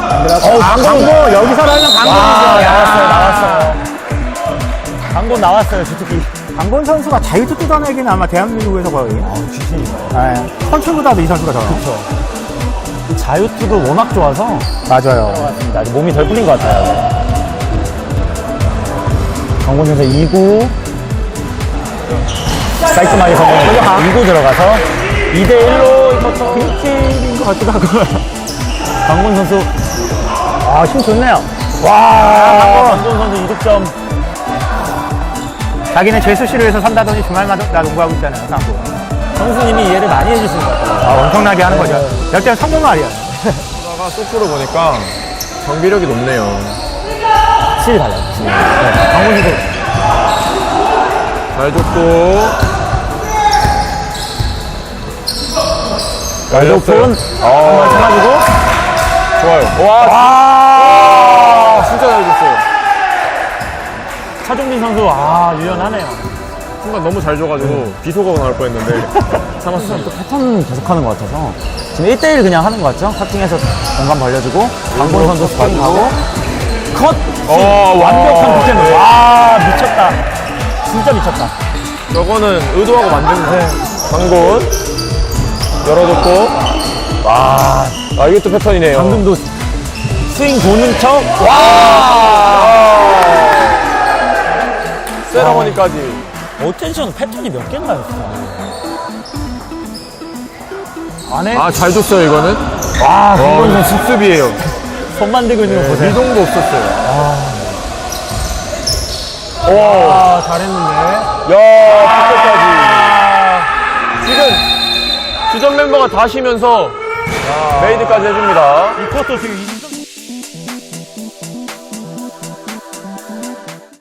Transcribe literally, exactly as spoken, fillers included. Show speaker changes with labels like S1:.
S1: 어, 강곤 여기서 나면 강곤이죠.
S2: 나왔어요, 나왔어요. 강곤 나왔어요, 주특기.
S1: 강곤 선수가 자유투 뜯어내기는 아마 대한민국에서 거의
S2: 아, 주특기인가요?
S1: 네, 선출보다도 이 선수가 더.
S2: 그렇죠. 자유투도 워낙 좋아서
S1: 맞아요.
S2: 맞습니다. 아직 몸이 덜 풀린 것 같아요. 강곤 선수 이 구 깔끔하게 성공했고 이 구 들어가서 이 대 일로 이것도
S1: 빈팀인 것 같기도 하고.
S2: 강곤 선수 아, 힘 좋네요. 와, 강곤 선수 이 득점.
S1: 자기는 재수씨를 위해서 산다더니 주말마다 농구하고 있잖아요, 상구.
S2: 선수님이 이해를 많이 해주신 것 같아요.
S1: 아, 엄청나게 하는 거죠. 역전 성공 말이야.
S3: 하다가 소프로 보니까 경비력이 높네요.
S2: 확실히 달라요. 확실히. 네, 강곤 선수
S3: 잘 줬고.
S2: 오픈
S3: 아,
S2: 참아주고
S3: 좋아요. 와,
S2: 와,
S3: 진짜 잘 줬어요.
S2: 차종민 선수 아, 유연하네요.
S3: 순간 너무 잘 줘가지고 비속어가 나올 뻔했는데 참았습니다.
S2: 패턴 계속하는 것 같아서 지금 일 대 일 그냥 하는 것 같죠? 카팅해서 공간 벌려주고 강곤 선수 스파이크 하고 컷!
S3: 어,
S2: 완벽한 득점. 와, 미쳤다. 진짜 미쳤다.
S3: 저거는 의도하고 만든 강곤 열어줬고. 와, 아, 이것도 패턴이네요.
S2: 방금도 스윙 도는 척. 와!
S3: 세러머니까지.
S2: 어텐션 패턴이 몇 개나 있어. 안에
S3: 아, 잘 줬어요, 이거는.
S2: 와,
S3: 와,
S2: 강곤
S3: 이거
S2: 선수
S3: 직습이에요.
S2: 손 만들고 있는 거 보세요.
S3: 미동도 없었어요.
S2: 와, 잘했는데.
S3: 야, 득점까지. 지금 주전 멤버가 다 쉬면서 메이드까지 해줍니다.
S2: 이 쿼터 지금 이 점